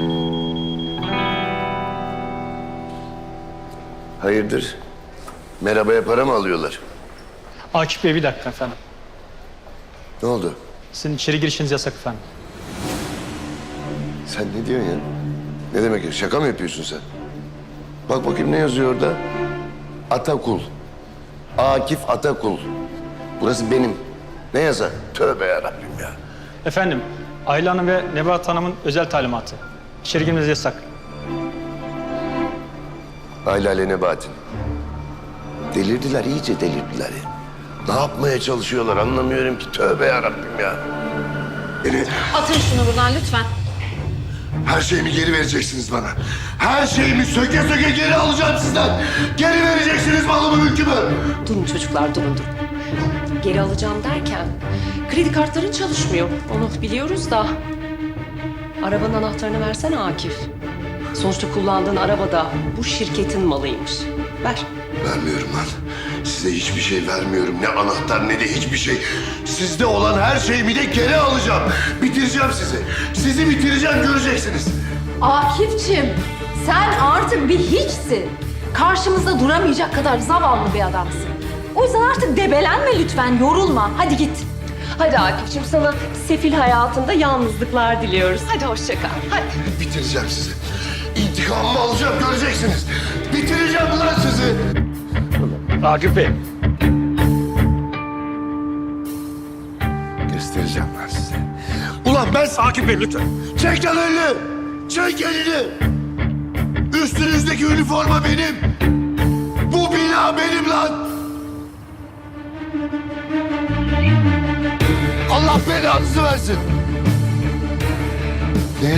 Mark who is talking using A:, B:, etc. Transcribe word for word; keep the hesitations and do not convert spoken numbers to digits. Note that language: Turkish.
A: Hayırdır? Merhabaya para mı alıyorlar?
B: Akif Bey bir dakika efendim.
A: Ne oldu?
B: Sizin içeri girişiniz yasak efendim.
A: Sen ne diyorsun ya? Ne demek ya? Şaka mı yapıyorsun sen? Bak bakayım ne yazıyor orada? Atakul. Akif Atakul. Burası benim. Ne yazar? Tövbe yarabbim ya.
B: Efendim, Ayla Hanım ve Nebahat Hanım'ın özel talimatı. İçeri girmeniz yasak.
A: Ayla ile Nebahat'in. Delirdiler, iyice delirdiler ya. Ne yapmaya çalışıyorlar anlamıyorum ki. Tövbe yarabbim ya. Beni,
C: Atın şunu buradan lütfen.
A: her şeyimi geri vereceksiniz bana. Her şeyimi söke söke geri alacağım sizden. Geri vereceksiniz malımı, mülkümü.
D: Durun çocuklar, durun durun. Geri alacağım derken kredi kartların çalışmıyor. Onu biliyoruz da. Arabanın anahtarını versene Akif. Sonuçta kullandığın araba da bu şirketin malıymış. Ver.
A: Vermiyorum lan. Size hiçbir şey vermiyorum. Ne anahtar ne de hiçbir şey. Sizde olan her şeyimi de geri alacağım. Bitireceğim sizi. Sizi bitireceğim, göreceksiniz.
C: Akif'cim sen artık bir hiçsin. Karşımızda duramayacak kadar zavallı bir adamsın. O yüzden artık debelenme lütfen, yorulma. Hadi git.
D: Hadi Akif'ciğim, sana sefil hayatında yalnızlıklar diliyoruz. Hadi hoşça kal. Hadi.
A: Bitireceğim sizi. İntikamımı alacağım, göreceksiniz. Bitireceğim lan sizi.
B: Akif Bey.
A: Göstereceğim lan size. Ulan ben...
B: Akif Bey lütfen.
A: Çek lan elini! Çek elini! Üstünüzdeki üniforma benim! Bu bina benim lan! Allah belanızı versin!